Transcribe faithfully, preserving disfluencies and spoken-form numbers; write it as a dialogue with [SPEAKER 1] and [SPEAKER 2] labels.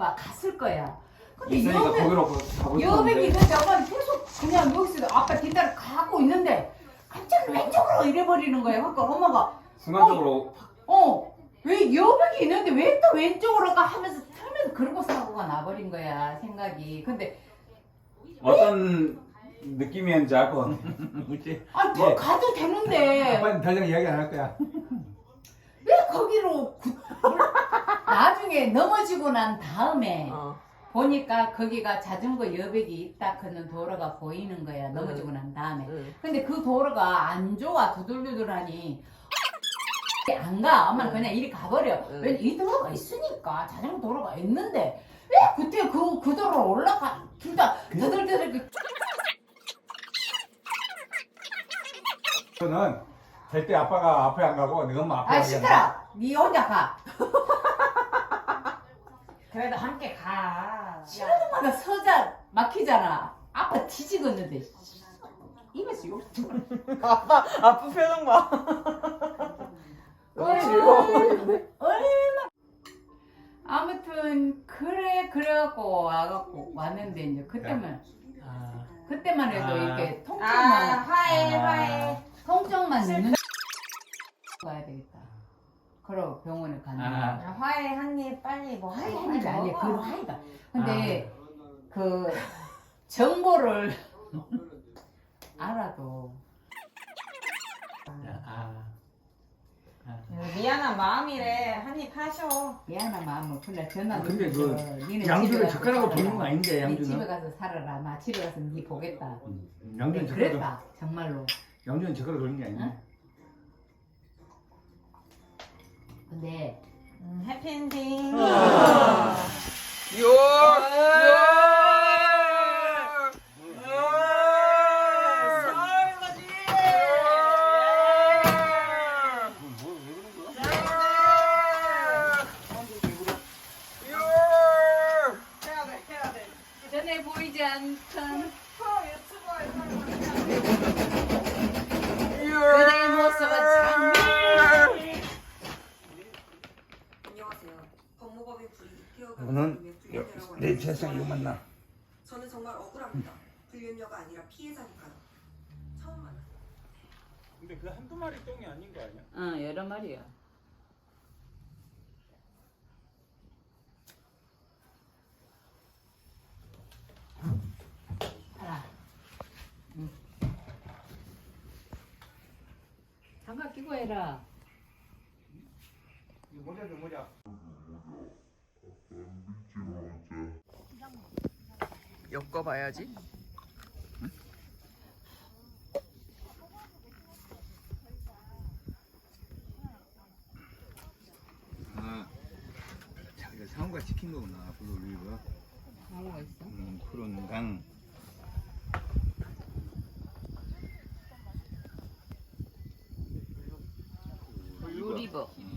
[SPEAKER 1] 아빠 갔을 거야. 근데
[SPEAKER 2] 있으니까
[SPEAKER 1] 여백,
[SPEAKER 2] 거기로 가고
[SPEAKER 1] 여백이
[SPEAKER 2] 싶었는데
[SPEAKER 1] 있는데 아빠는 계속 그냥 여기서 아빠 뒷다리 가고 있는데 갑자기 왼쪽으로 이래버리는 거야. 그러니까 엄마가
[SPEAKER 2] 순간적으로
[SPEAKER 1] 어, 왜 여백이 있는데 왜 또 왼쪽으로 가 하면서 틀면서 그러고 사고가 나버린 거야 생각이. 근데
[SPEAKER 2] 어떤 느낌이었는지 알 것 같아.
[SPEAKER 3] 그치?
[SPEAKER 1] 아, 더
[SPEAKER 2] 예.
[SPEAKER 1] 가도 되는데
[SPEAKER 3] 아빠는 더 이상 이야기 안 할 거야.
[SPEAKER 1] 왜 거기로 구- 나중에 넘어지고 난 다음에
[SPEAKER 4] 어.
[SPEAKER 1] 보니까 거기가 자전거 여백이 있다 그는 도로가 보이는 거야. 넘어지고 난 다음에.
[SPEAKER 4] 응.
[SPEAKER 1] 근데 그 도로가 안 좋아. 두들두들하니 안 가. 엄마는 그냥 이리 가버려.
[SPEAKER 4] 응.
[SPEAKER 1] 왜냐면 이 도로가 있으니까 자전거 도로가 있는데 왜 그때 그, 그 도로로 올라가 진짜 두들두들 그
[SPEAKER 3] 저는 절대 아빠가 앞에 안 가고 네 엄마 앞에
[SPEAKER 1] 아
[SPEAKER 3] 가게
[SPEAKER 1] 시끄러. 니 혼자 가. 그래도 함께 가. 신호등마다 서자 막히잖아. 아빠 뒤지겠는데. 입에서 욕.
[SPEAKER 4] 아빠 아빠 표정 봐. 너무 즐거워 보이는데.
[SPEAKER 1] 얼마. 아무튼 그래 그래갖고 와갖고 왔는데 이제 그때만
[SPEAKER 3] 아,
[SPEAKER 1] 그때만 해도
[SPEAKER 3] 아.
[SPEAKER 1] 이렇게
[SPEAKER 4] 아
[SPEAKER 1] 통증만
[SPEAKER 4] 화해
[SPEAKER 3] 아.
[SPEAKER 4] 화해.
[SPEAKER 1] 통증만 있는 가야 되겠다. 그러 병원에 가는
[SPEAKER 3] 아.
[SPEAKER 1] 거야.
[SPEAKER 4] 야, 화해 한입 빨리 뭐
[SPEAKER 1] 화이
[SPEAKER 4] 하고
[SPEAKER 1] 한 입이
[SPEAKER 4] 빨리
[SPEAKER 1] 아니야.
[SPEAKER 4] 먹어.
[SPEAKER 1] 그 화이가. 근데 그 정보를 알아도
[SPEAKER 3] 아, 아.
[SPEAKER 4] 미안한 마음이래. 한입 하셔.
[SPEAKER 1] 미안한 마음은 그날 전화
[SPEAKER 3] 아, 근데
[SPEAKER 1] 누르고
[SPEAKER 3] 그
[SPEAKER 1] 니네
[SPEAKER 3] 양주를
[SPEAKER 1] 집에 가서
[SPEAKER 3] 젓가락으로
[SPEAKER 1] 살아라.
[SPEAKER 3] 돌리는 거 아닌데,
[SPEAKER 1] 니
[SPEAKER 3] 양주는?
[SPEAKER 1] 집에 가서 살아라. 나 집에 가서 니 보겠다.
[SPEAKER 3] 양주는 젓가락,
[SPEAKER 1] 그랬다 정말로.
[SPEAKER 3] 양주는 젓가락 돌리는 게 아니야.
[SPEAKER 1] 응? 근데
[SPEAKER 4] 음, 해피엔딩.
[SPEAKER 1] 전에 보이지 않던 그대의 모습은 장미.
[SPEAKER 5] 안녕하세요. 법무법인 불이익 케어가
[SPEAKER 3] 오늘 내 세상 이거 만나.
[SPEAKER 5] 저는 정말 억울합니다. 불륜녀가 아니라 피해자니까요. 처음 만났어요.
[SPEAKER 2] 근데 그 한두 마리 똥이 아닌 거 아니야?
[SPEAKER 1] 응 여러 마리야. 하나. 응. 장갑 끼고 해라.
[SPEAKER 3] 이거 모자 줘 모자.
[SPEAKER 4] 엮어봐야지.
[SPEAKER 3] 아, 자기가 상호가 시킨 거구나. 불 올리고.
[SPEAKER 1] 뭐가 있어?
[SPEAKER 3] 음, 푸른 강.
[SPEAKER 1] 루리버.
[SPEAKER 3] 음.